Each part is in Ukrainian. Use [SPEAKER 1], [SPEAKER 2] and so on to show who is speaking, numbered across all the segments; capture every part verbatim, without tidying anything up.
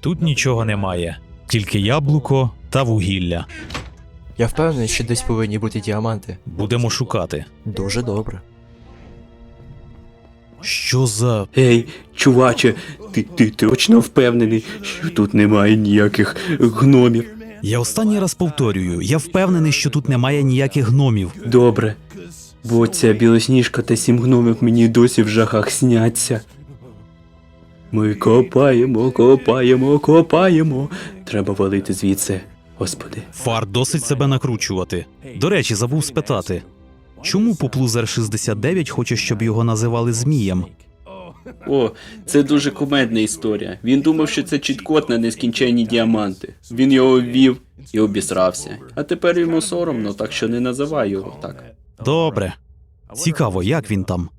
[SPEAKER 1] Тут нічого немає, тільки яблуко та вугілля.
[SPEAKER 2] Я впевнений, що десь повинні бути діаманти.
[SPEAKER 1] Будемо шукати.
[SPEAKER 2] Дуже добре.
[SPEAKER 1] Що за...
[SPEAKER 3] Ей, чуваче, ти, ти точно впевнений, що тут немає ніяких гномів?
[SPEAKER 1] Я останній раз повторюю, я впевнений, що тут немає ніяких гномів.
[SPEAKER 3] Добре. Бо ця білосніжка та сім гномів мені досі в жахах сняться. Ми копаємо, копаємо, копаємо. Треба валити звідси, господи.
[SPEAKER 1] Фар досить себе накручувати. До речі, забув спитати. Чому Поплузер шістдесят дев'ять хоче, щоб його називали Змієм?
[SPEAKER 3] О, це дуже кумедна історія. Він думав, що це чіт-код на нескінченні діаманти. Він його ввів і обісрався. А тепер йому соромно, так що не називай його так.
[SPEAKER 1] Добре. Цікаво, як він там?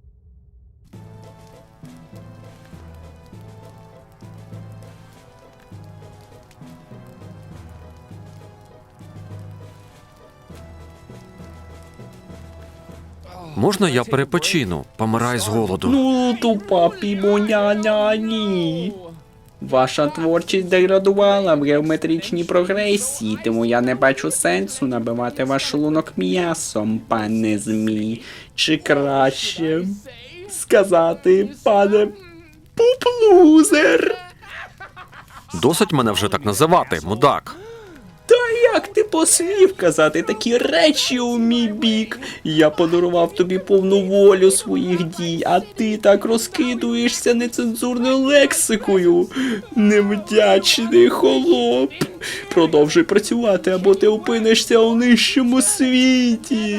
[SPEAKER 4] Можна я перепочину? Помирай з голоду.
[SPEAKER 3] Ну, тупа пімоня-ня-ні. Ваша творчість деградувала в геометричній прогресії, тому я не бачу сенсу набивати ваш шлунок м'ясом, пане Змій. Чи краще сказати, пане Поплузер?
[SPEAKER 4] Досить мене вже так називати, мудак.
[SPEAKER 3] Та як ти посмів казати такі речі у мій бік? Я подарував тобі повну волю своїх дій, а ти так розкидуєшся нецензурною лексикою. Невдячний холоп. Продовжуй працювати, або ти опинишся у нижчому світі.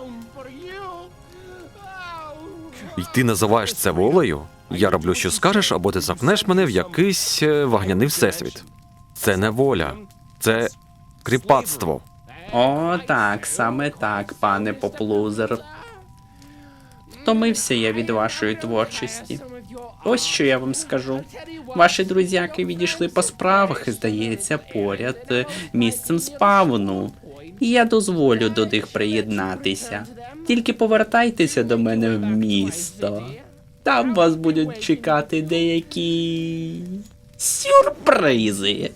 [SPEAKER 4] І ти називаєш це волею? Я роблю, що скажеш, або ти запнеш мене в якийсь е, вогняний всесвіт. Це не воля. Це кріпацтво.
[SPEAKER 3] О, так, саме так, пане Поплузер. Втомився я від вашої творчості. Ось що я вам скажу. Ваші друзяки відійшли по справах, здається, поряд е, місцем спавну. І я дозволю до них приєднатися. Тільки повертайтеся до мене в місто. Там вас будуть чекати деякі сюрпризи.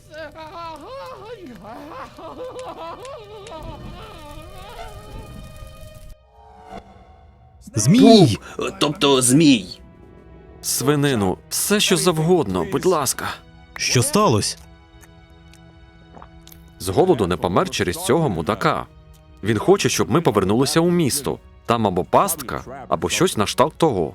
[SPEAKER 1] Змій!
[SPEAKER 3] Тобто змій.
[SPEAKER 4] Свинину, все що завгодно, будь ласка.
[SPEAKER 1] Що сталося?
[SPEAKER 4] З голоду не помер через цього мудака. Він хоче, щоб ми повернулися у місто. Там або пастка, або щось на кшталт того.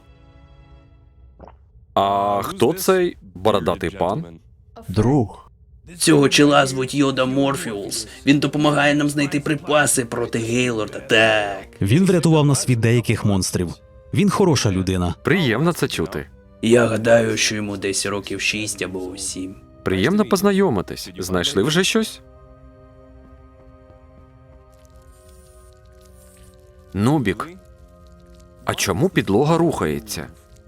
[SPEAKER 4] А хто цей бородатий пан?
[SPEAKER 2] Друг.
[SPEAKER 3] Цього чела звуть Йода Морфіус. Він допомагає нам знайти припаси проти Гейлорда. Так.
[SPEAKER 1] Він врятував нас від деяких монстрів. Він хороша людина.
[SPEAKER 4] Приємно це чути.
[SPEAKER 3] Я гадаю, що йому десь років шість або сім.
[SPEAKER 4] Приємно познайомитись. Знайшли вже щось? Нубік. А чому підлога рухається?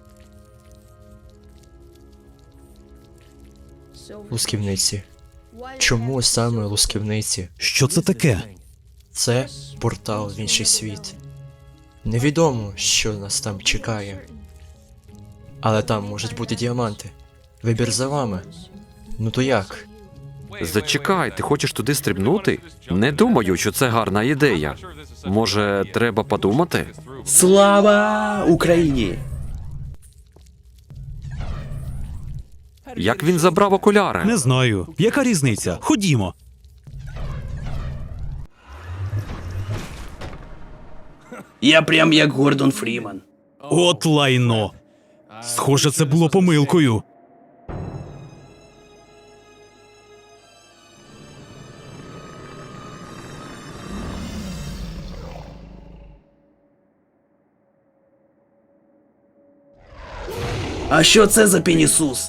[SPEAKER 2] Лусківниці. Чому саме лусківниці?
[SPEAKER 1] Що це таке?
[SPEAKER 2] Це портал в інший світ. Невідомо, що нас там чекає. Але там можуть бути діаманти. Вибір за вами. Ну то як?
[SPEAKER 4] Зачекай, ти хочеш туди стрибнути? Не думаю, що це гарна ідея. Може, треба подумати?
[SPEAKER 3] Слава Україні!
[SPEAKER 4] Як він забрав окуляри?
[SPEAKER 1] Не знаю. Яка різниця? Ходімо.
[SPEAKER 3] Я прям як Гордон Фріман.
[SPEAKER 1] От лайно. Схоже, це було помилкою.
[SPEAKER 3] А що це за пенісус?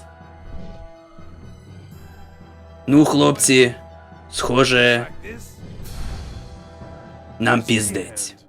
[SPEAKER 3] Ну, хлопці, схоже, нам піздець.